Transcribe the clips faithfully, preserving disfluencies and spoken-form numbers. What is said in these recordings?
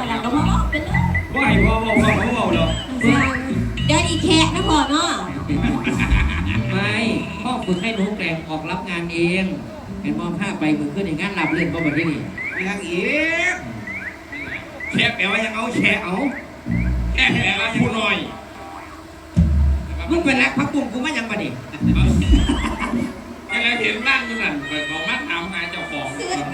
แล้วก็พ่อเป็นเลยว่าให้พ่อพ่อพ่อเขาบอกหรอเดี๋ยวอีแขกนะพ่อเนาะไม่พ่อฝึกให้หนูแกร่งออกรับงานเองเห็นมองภาพไปมือขึ้นอย่างงั้นหลับเล่นก็แบบนี้ยังอีกแฉะแปลว่ายังเอาแฉะเอาแฉะแปลว่าผู้น้อยมึงเป็นรักพักบุ้งกูไม่ยังมาดิยังไงเห็นร่างอยู่นั่นเปิดของมัดถามหาเจ้าของ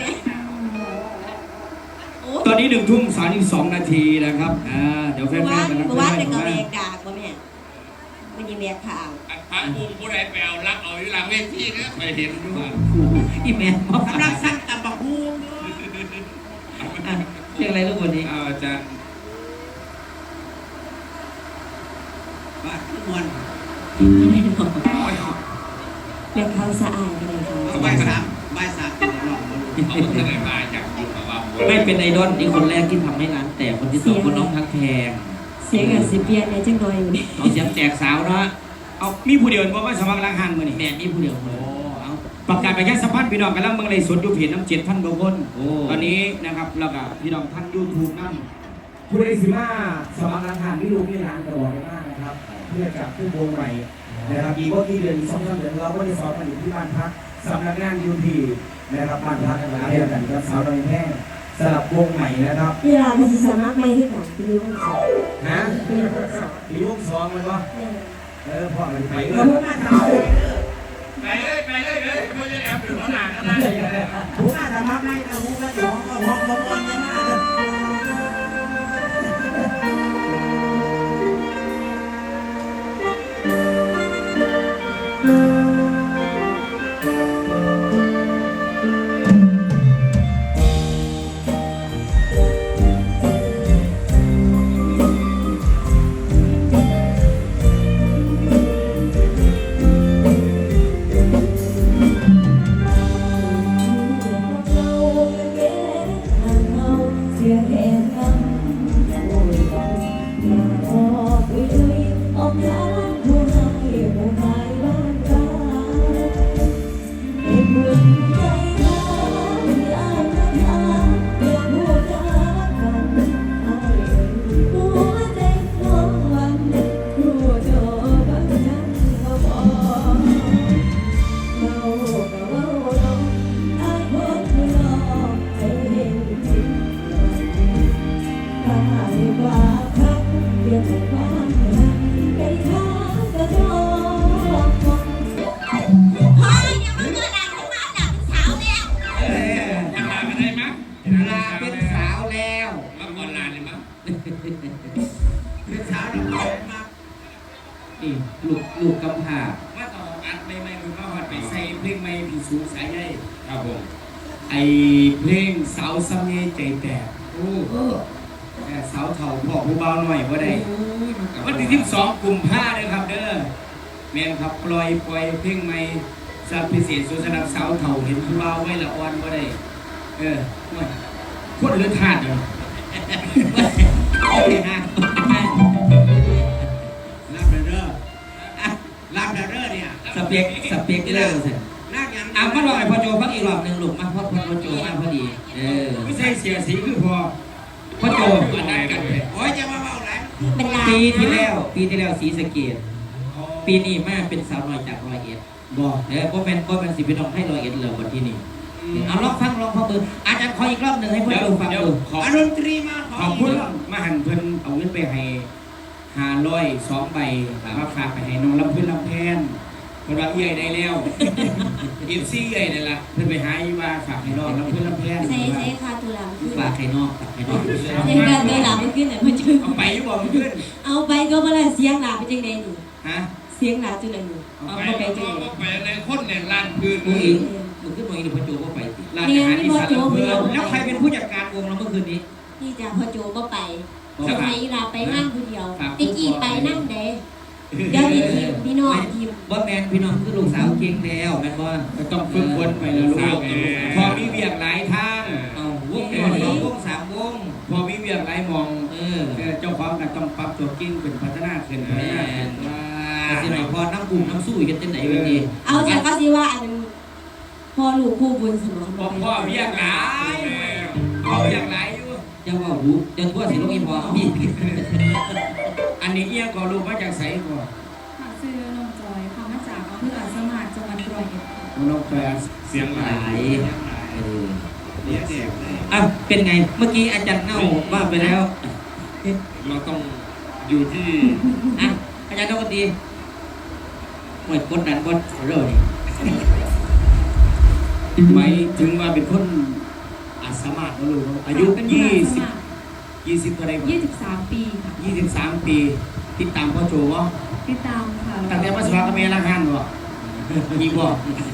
ตอนนี้หนึ่งทุ่มสามสิบสองนาทีนะครับอ่าเดี๋ยวแฟนๆกันนะเมื่อวานเป็นกระเบกดากป่ะแม่มันยังแบกข่าวพระภูมิผู้ใดแปลรักเอาอยู่หลังเวทีนะไปเห็นด้วยอีแม่กำลังสั่งตับบักฮูมเรียกอะไรลูกวันนี้อาจารย์บ้านทุกวันเรียกเขาสะอาดกันเลยเขาใบสามใบสามเป็นหลอกเขาเป็นอะไรมาจากยุคของเราไม่เป็นไอดอลนี่คนแรกที่ทำให้ร้านแต่คนที่สองคนน้องทักแพงเสียงกับสิเปียนเนี่ยจังดอยอยู่นี่เอาเสียงแตกสาวเนาะเอามีผู้เดียวว่าสมัครล้างหันมือนี่แม่มีผู้เดียวโอ้เอาประกาศไปแค่สัมภาษณ์พี่น้องกันแล้วเมืองเลยสดดูเพจน้ำเจ็ดพันกว่าคนตอนนี้นะครับแล้วก็พี่น้องท่านยูทูบนั่นคุณไอซิมาสมัครล้างหันที่ลูกที่ร้านตลอดมากนะครับเพื่อจับขึ้นวงใหม่นะครับอีกว่ากี่เดือนสองสามเดือนเราก็จะสอนกันอยู่ที่บ้านพักสำนักงานยูทีนะครับบ้านพักกันแล้วเรียนกันกับสาวดอยแห้งสลับวงใหม่นะครับเวลาที่สมัครไม่ที่ของปีวงสองนะปีวงสองมันวะเออพ่อมันไปเลยไปเลยไปเลยเลยไม่ได้แอบอยู่ข้างหลังนะผู้น่าจะมักได้แต่ผู้ก็สองก็มองมองมองยังไงลูกลูกกำพร้าว่าต่ออัดไม่ไม่คุณก็หัดไปใส่เพลงไม่ผีสูงสายใยครับผมไอเพลงสาวซ้ำเย่ใจแตกโอ้แต่สาวเถ่าพ่อผู้เบาหน่อยว่าได้วันที่สิบสองกลุ่มผ้าเลยครับเด้อแมนครับปล่อยปล่อยเพลงใหม่สับพิเศษสุดสำหรับสาวเถ่าเห็นผู้เบาไว้ละอ่อนว่าได้เออคนเลือดทาดเลยรับเด้อรับเด้อเนี่ยสเปกสเปกเด้อสิอ่ะมาลองไอ้พ่อโจฟังอีกรอบหนึ่งลูกมาพ่อพ่อโจมาพอดีเออไม่ใช่เสียสีคือพอพ่อโจมาได้กันเลยโอ้ยจะมาเมาอะไรปีที่แล้วปีที่แล้วสีสเกตปีนี้มาเป็นสาวน้อยจากร้อยเอ็ดบอกเออพ่อแม่พ่อแม่สิพี่น้องให้ร้อยเอ็ดเลยวันที่นี่เอาลองฟังลองฟังเบอร์อาจารย์ขออีกรอบหนึ่งให้พ่อโจฟังดูอารมณ์ตรีมาขอบคุณมาหันเพิ่นเอาเงินไปให้ห้าร้อยสองใบมาฝากไปให้น้องลำพื้นลำแพนคนว่าเอี้ยได้แล้วอินซี่เอี้ยนี่แหละเพิ่นไปหาอีว่าฝากให้น้องลำพื้นลำแพนใส่ใส่คาตัวหลังฝากให้น้องฝากให้น้องใส่การตัวหลังไม่ขึ้นไหนมันจะเอาไปอยู่บ่มันขึ้นเอาไปก็มาเลยเสียงหนาเป็นจังไงนี่ฮะเสียงหนาจังไงนี่เอาไปจังไงไปในคนในร้านพื้นมึงอีกมึงขึ้นมาอีกพ่อโจก็ไปร้านอาหารที่สารเพื่อนแล้วใครเป็นผู้จัดการวงเราเมื่อคืนนี้ที่จะพ่อโจก็ไปสมัยลาไปนั่งคนเดียวติ๊กกี้ไปนั่งเด้เดี๋ยวทีมพี่น้องทีมบ่แมนพี่น้องคือลูกสาวเก่งแล้วแม่นบ่ต้องฝึกฝนไปแล้วลูกพอมีเวียกหลายทางเอาวงเดียวสองวงสามวงพอมีเวียกหลายมองเออเจ้าของก็ต้องปรับตัวกิ้งเป็นพัฒนาขึ้นพัฒนาขึ้นว่าสิไหนพอน้ำกลุ่มน้ำสู้กันจังไหนวันนี้เอาจากก็สิว่าอันพอลูกคู่บุญสมองพ่อเวียกหลายพ่อเวียกหลายอยู่จะว่ารู้จะทั่วสิลูกอีพอพี่อันนี้เอี้ยก็รู้มาจากไสก่อนค่ะชื่อน้องจอยค่ะมาจากอำเภออาสมานจังหวัดร้อยเอ็ดค่ะน้องจอยเสียงหหลาลายยเออเรียกแจกเลยอ้าวเป็นไงเมื่อกี้อาจารย์เน่าว่าไปแล้วเราต้องอยู่ที่อ่ะอาจารย์นกดีหมดกดดันกดเรื่องนี้หมายถึงว่าเป็นคนอาสามารถก็รู้อายุเป็นยี่อาสิสบมานยี่สิบเท่าไหรยี่สิบสามปีค่ะยี่สิบสามปีติดตามพ่อโจวะติดตามค่ะตั้งแต่มาสมัครกับเมียละหันวะมีบ่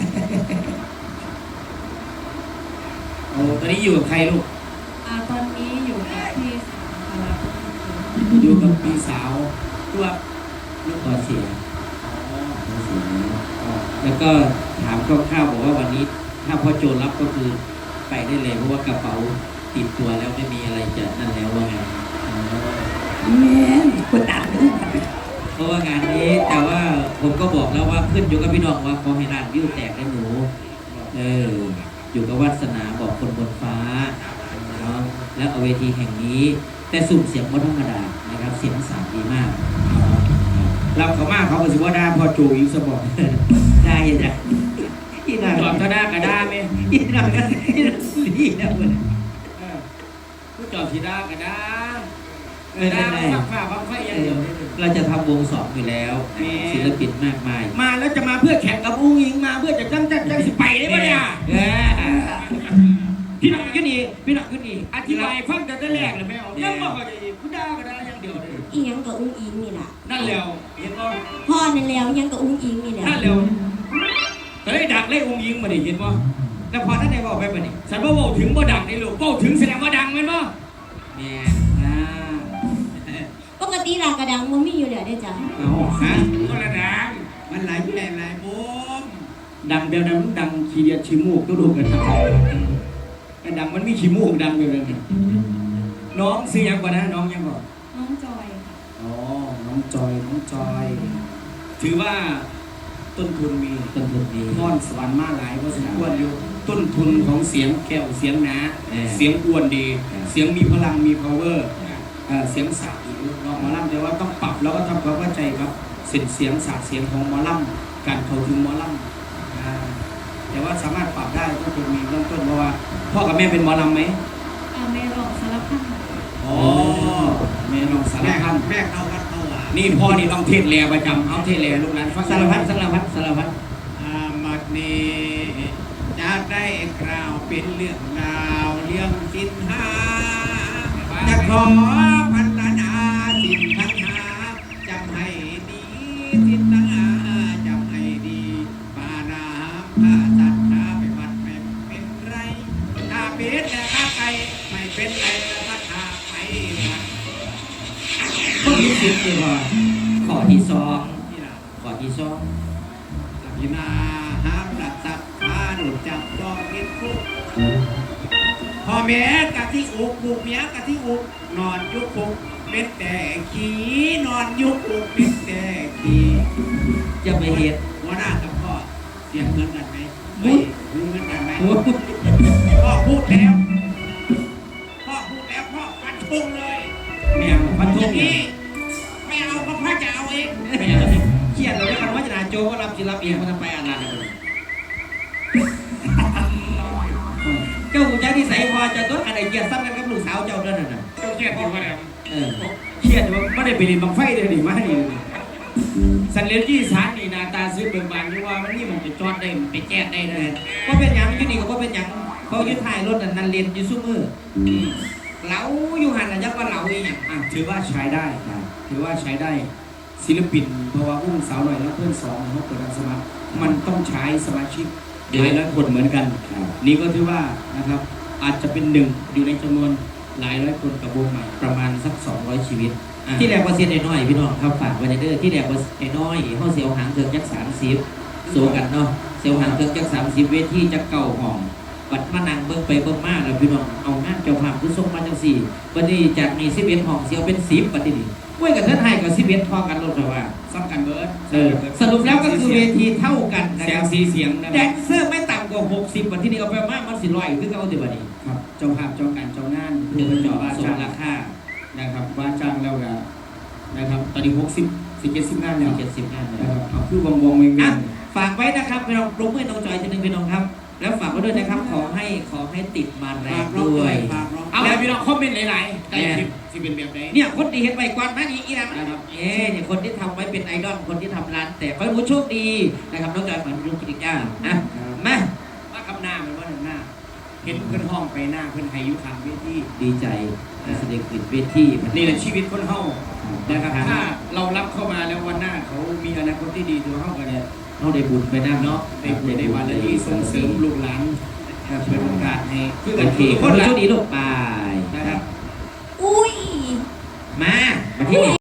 โอ้ตอนนี้อยู่กับใครลูกอ่าตอนนี้อยู่กับพี่สาวค่ะแล้วก็อยู่กับพี่สาวตัวลูกพอเสียพอเสียแล้วก็ถามคร่าวๆบอกว่าวันนี้ ถ้าพ่อโจรับก็คือไปได้เลยเพราะว่ากระเป๋าติดตัวแล้วไม่มีอะไรจะนั่นแล้วว่าไงแม่คนตามดูเพราะว่างานนี้แต่ว่าผมก็บอกแล้วว่าขึ้นอยู่กับพี่น้องว่าขอให้ร้านวิวแตกได้หนูเอออยู่กับวาสนาบอกคนบนฟ้าเนาะแล้วเอาเวทีแห่งนี้ แต่สุ่มเสียงไม่ธรรมดานะครับเสียงสามดีมากเราเขามาเขาก็สิว่าได้พ่อโจอีกสบอกได้จ้ะที่นั่นจอดก็ได้ก็ได้ไหมที่นั่นก็ที่นั่นดีนะเว้ยเออผู้จอดสีได้ก็ได้เออได้ได้ฟังฟ้าฟังไฟอย่างเดียวได้เลยเราจะทำวงสองอยู่แล้วแหมศิลปินมากมายมาแล้วจะมาเพื่อแข่งกับอุ้งอิงมาเพื่อจะจังจังจังสิไปได้ปะเนี่ยเออพี่น้องยุนี่พี่น้องยุนี่อธิบายฟังแต่แต่แรกเลยแม่เอายังบอกว่าจะผู้ด่าก็ได้อย่างเดียวเลยอีหยังกับอุ้งอิงนี่ล่ะนั่นแล้วเห็นบ่พ่อนั่นแล้วยังกับอุ้งอิงนี่แหละนั่นแล้วก็เลยดักเลยอุ้งอิงมาดิเห็นบ่แล้วพอท่านไหนบอกไปปะนี่ฉันว่าเว้าถึงบ่ดังนี่ลูกเว้าถึงแสดงว่าดังแม่นบ่แม่อ่าปกติลากระดังมันมีอยู่แล้วได้อจ้ะเอาฮะก็ละดังมันหลายแปลงหลายมุมดังเดียวนั้นมันดังขี้เดียดขี้มูกก็ดูกันไอ้ดังมันมีขี้มูกดังอยู่เลยน้องซื้อยังก่อนนะน้องยังก่อนน้องจอยค่ะอ๋อ น้องจอย น้องจอย ถือว่าต้นทุนมีต้นทุนดีพรสวรรค์มาหลายพอสมควรอยู่ ต้นทุนของเสียงแก้วเสียงหนาเออเสียงอ้วนดีเออเสียงมีพลังมี power เอ่อเสียงสาดอีกเนาะหมอลำแต่ว่าต้องปรับแล้วก็ทำความเข้าใจครับเสียงเสียงสาดเสียงของหมอลำการเข้าถึงหมอลำอ่าแต่ว่าสามารถปรับได้ก็คงมีเริ่มต้นเพราะว่าพ่อกับแม่เป็นหมอลำไหมอ่าแม่รองสารพัดค่ะอ๋อแม่ลองสารแม่พันแม่เข้าวัดเข้าว่านี่พ่อนี่ต้องเทศแลประจำเอาเทศแลลูกหลานฟังสารพัดสารพัดสารพัดอามัดนี้จะได้กล่าวเป็นเรื่องราวเรื่องสินหาจะขอพัฒนาสินทั้งหาจำให้ดีสินทั้งหาจำให้ดีปานาข้าสัตว์ข้าไปวัดไม่เป็นไรถ้าเป็นแต่ข้าไปไม่เป็นไรถ้าข้าไปวัดข้อที่สิบดีกว่าข้อที่สองที่เราข้อที่สองพินาห้ามหลับตับพาหนุจับจองกินคุกพ่อแม่กะที่อุกบุกเมียกะที่อุกนอนยุกคุกเม็ดแต่ขี้นอนยุกคุกเม็ดแต่ขี้จะไปเหตุหัวหน้ากับพ่อเสียงเหมือนกันไหมไม่เหมือนกันไหมโอ้โหพ่อพูดแล้วพ่อพูดแล้วพ่อฟันธงเลยแม่พันอธุย่างเนี่นี้ยไม่เอาก็พ่อจะเอาเองไม่เอาเครียดเลยคันว่าจะนาโจก็รับจิรับเองมันทำไปอ่านนานเลยเจ้าคุณเจ้าที่ใส่พอจะต้นอะไรเกียรติซ้ำกันกับลูกสาวเจ้าเด้านน่ะเจ้าเครียดอยู่ว่าเนี่ยเออเครียดว่าไม่ได้ไปเรียนบังไฟเลยดิมาดิสันเลนที่สารนี่นาตาซื้อเบิกบานที่ว่ามันนี่มันจะจอดได้ไปแจ๊ดได้เลยว่าเป็นหยังอยู่นี่ก็ว่าเป็นหยังเขายึดถ่ายรถนั่นนั่นเลนอยู่ซุ้มือเหลาอยู่หันน่ะยักว่าเหลาอีหยังอ่ะถือว่าใช้ได้ถือว่าใช้ได้ศิลปินเพราะว่าอุ้มสาวหน่อยแล้วเพื่อนสองเขาเปิดรับสมัครมันต้องใช้สมาชิกหลายร้อยคนเหมือนกัน นี่ก็ถือว่านะครับอาจจะเป็นหนึ่งอยู่ในจำนวนหลายร้อยคนกับวงใหม่ประมาณสักสองร้อยชีวิตอ่ะที่แรกว่าเสียน้อยๆพี่น้องครับฝากไว้ในเด้อที่แรกว่าน้อยๆเขาเสียวหางเครื่องจักสามสิบโซกันเนาะเสียวหางเครื่องจักสามสิบเวทีจักเก่าห้องบัดมานั่งเบิ่งไปเบิ่งมาแล้วพี่น้องเอางานเจ้าภาพคือส่งมาจังสี่วันนี้จากมีสิบเอ็ดห้องเสียวเป็นสิบบัดนี้เว้ยกับเทิดไทยกับสิบเอ็ดพอกันลงแต่ว่าซ้ำกันเบิร์ดเออสรุปแล้วก็คือเวทีเท่ากันนะเสีคยงรับสีเสียงนะแดนเซอร์ไม่ต่ำกว่าก็หกสิบวันที่นี่เอาไปมากมันสิร้อยคือเอาแต่วันนี้ครับเจ้าภาพเจ้าการเจ้างานเพื่อเจาะว่าส่จ้าง งราคานะครับว่าจ้างแล้วก็นะครับตอนนี้หกสิบสี่เจ็ดสิบงานแล้วเจ็ดสิบงานเลยนะครับเอาคือวงวงเวงเวอ่ะงฝากไว้นะครับพี่น้องปรุงเพื่อนน้องจอยทีหนึ่งพี่น้องครับ แล้วฝากไว้ด้วยนะครับขอให้ขอให้ติดมาแรฝาง กร้องด้วยฝากร้องเอาแล้วพี่น้องคอมเมนต์หลายๆได้คลิปสิเป็นแบบไหนเนี่ยคนที่เห็นไปกวนมานี่อีนะนะครับเอ๊ะเนี่ยคนที่ทำไว้เป็นไอดอลคนที่ทำร้านแต่ขอให้ผู้โชคดีนะครับน้องจอยฝันรุ่งกิจการนะมาว่าคำหน้ามันว่าหนึ่งหน้า เห็นเพื่อนห้องไปหน้าเพื่อนไฮยุคางเวทีดีใจการแสดงขึ้นเวทีนี่แหละชีวิตคนเฮานะครับถ้าเรารับเข้ามาแล้ววันหน้าเขามีอนาคตที่ดีตัวเฮากันเนี่ยเขาได้บุญไปน้ำเนาะได้บุญได้บารมีส่งเสริมลูกหลานนะครับเป็นโอกาสให้คือโอกันเคทุกคคน นโชละคดีลูกไปนะครับอุ้ยมามาที่